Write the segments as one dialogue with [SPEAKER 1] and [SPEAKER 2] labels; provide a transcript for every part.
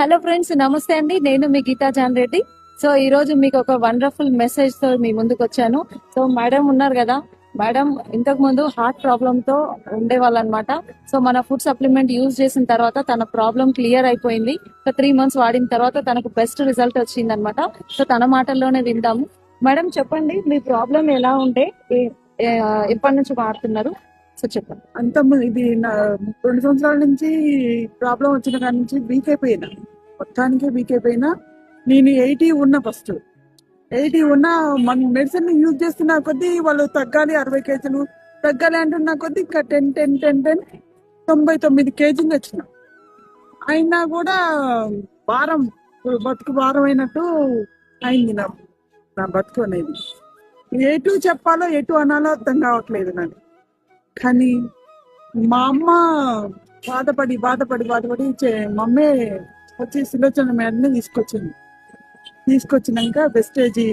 [SPEAKER 1] Hello friends, నమస్తే అండి. నేను మీ గీతా జాన్ రెడ్డి. సో ఈ రోజు మీకు ఒక వండర్ఫుల్ మెసేజ్ తో మీ ముందుకు వచ్చాను. సో మేడం ఉన్నారు కదా, మేడం ఇంతకు ముందు హార్ట్ ప్రాబ్లమ్ తో ఉండేవాళ్ళు అనమాట. సో మన ఫుడ్ సప్లిమెంట్ యూజ్ చేసిన తర్వాత తన ప్రాబ్లం క్లియర్ అయిపోయింది. ఒక 3 months వాడిన తర్వాత తనకు బెస్ట్ రిజల్ట్ వచ్చింది అనమాట. సో తన మాటల్లోనే విందాము. మేడం చెప్పండి, మీ ప్రాబ్లం ఎలా ఉండే, ఎప్పటి నుంచి వాడుతున్నారు? సో చెప్పండి.
[SPEAKER 2] ఇది నా 2 సంవత్సరాల నుంచి ప్రాబ్లం వచ్చిన కాడి నుంచి వీక్ అయిపోయినా, మొత్తానికి వీక్ అయిపోయినా. నేను 80 ఉన్నా, ఫస్ట్ 80 ఉన్నా. మన మెడిసిన్ యూజ్ చేస్తున్న కొద్దీ వాళ్ళు తగ్గాలి, 60 kgs తగ్గాలి అంటున్న కొద్దీ ఇంకా 10 99 kgs వచ్చిన. అయినా కూడా భారం, బతుకు భారం అయినట్టు అయింది నా బతుకు అనేది. ఎటు చెప్పాలో ఎటు అనాలో అర్థం కావట్లేదు నాకు. కానీ మా అమ్మ బాధపడి మమ్మీ వచ్చి సులోచన మేడని తీసుకొచ్చినాక వెస్టేజీ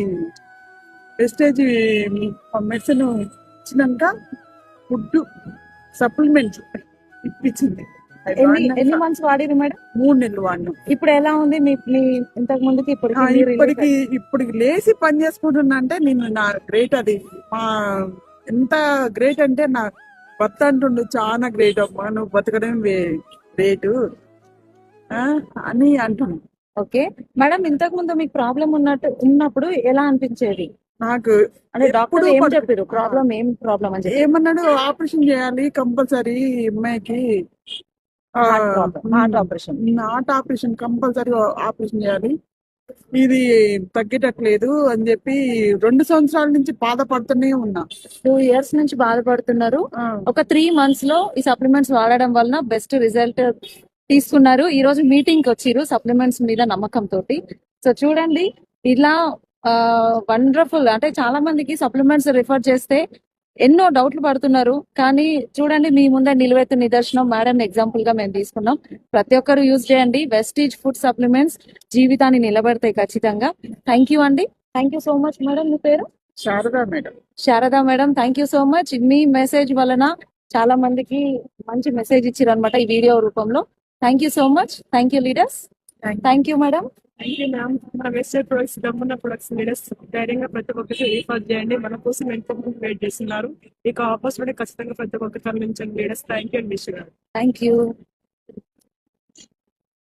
[SPEAKER 2] మెడిసిన్ ఇచ్చినాక ఫుడ్ సప్లిమెంట్స్ ఇప్పించింది.
[SPEAKER 1] ఎన్ని మంత్స్ వాడిరు మేడం?
[SPEAKER 2] 3 నెలలు వాడినాం.
[SPEAKER 1] ఇప్పుడు ఎలా ఉంది మీ ఇంతకు ముందుకి
[SPEAKER 2] ఇప్పటికి లేచి పని చేసుకుంటున్నా అంటే నేను నా గ్రేట్. అది మా ఎంత గ్రేట్ అంటే నా భర్త అంటుండు, చాలా గ్రేట్ అమ్మా, నువ్వు బతకడం గ్రేట్ అని అంటున్నాను.
[SPEAKER 1] ఓకే మేడం, ఇంతకు ముందు మీకు ప్రాబ్లం ఉన్నప్పుడు ఎలా అనిపించేది?
[SPEAKER 2] నాకు
[SPEAKER 1] అంటే డాక్టర్ ఏం చెప్పారు? ప్రాబ్లం అని చెప్పి
[SPEAKER 2] ఏమన్నాడు, ఆపరేషన్ చేయాలి కంపల్సరీ అమ్మాయికి,
[SPEAKER 1] హార్ట్
[SPEAKER 2] ఆపరేషన్ కంపల్సరీ ఆపరేషన్ చేయాలి, ఇది తగ్గేటట్లేదు అని చెప్పి 2 సంవత్సరాల నుంచి బాధపడుతూనే ఉన్నా.
[SPEAKER 1] 2 years నుంచి బాధపడుతున్నారు. ఒక 3 months లో ఈ సప్లిమెంట్స్ వాడడం వలన బెస్ట్ రిజల్ట్ తీసుకున్నారు. ఈ రోజు మీటింగ్ కి వచ్చిరు సప్లిమెంట్స్ మీద నమ్మకం తోటి. సో చూడండి, ఇలా వండర్ఫుల్. అంటే చాలా మందికి సప్లిమెంట్స్ రిఫర్ చేస్తే ఎన్నో డౌట్లు పడుతున్నారు. కానీ చూడండి, మీ ముందే నిలువెత్తు నిదర్శనం మేడం ఎగ్జాంపుల్ గా మేము తీసుకున్నాం. ప్రతి ఒక్కరు యూజ్ చేయండి. వెస్టీజ్ ఫుడ్ సప్లిమెంట్స్ జీవితాన్ని నిలబెడతాయి ఖచ్చితంగా. థ్యాంక్ యూ అండి. Thank you so much madam. మీ పేరు?
[SPEAKER 2] Sharada madam.
[SPEAKER 1] Sharada madam, thank you so much. మీ మెసేజ్ వలన చాలా మందికి మంచి మెసేజ్ ఇచ్చారు అనమాట ఈ వీడియో రూపంలో. Thank you so much. Thank you leaders. Thank you madam.
[SPEAKER 3] Thank you ma'am. మన వెస్టర్న్ ప్రొడక్ట్స్, దమ్మున్న ప్రొడక్ట్స్ లీడర్స్ ధైర్యంగా ప్రతి ఒక్కరికి రిఫర్ చేయండి. మన కోసం ఎంతో మంది వెయిట్ చేస్తున్నారు. ఇక ఆపర్చునిటీ ఖచ్చితంగా ప్రతి ఒక్కరికి తరలించండి leaders. Thank you and wish.
[SPEAKER 1] Thank you.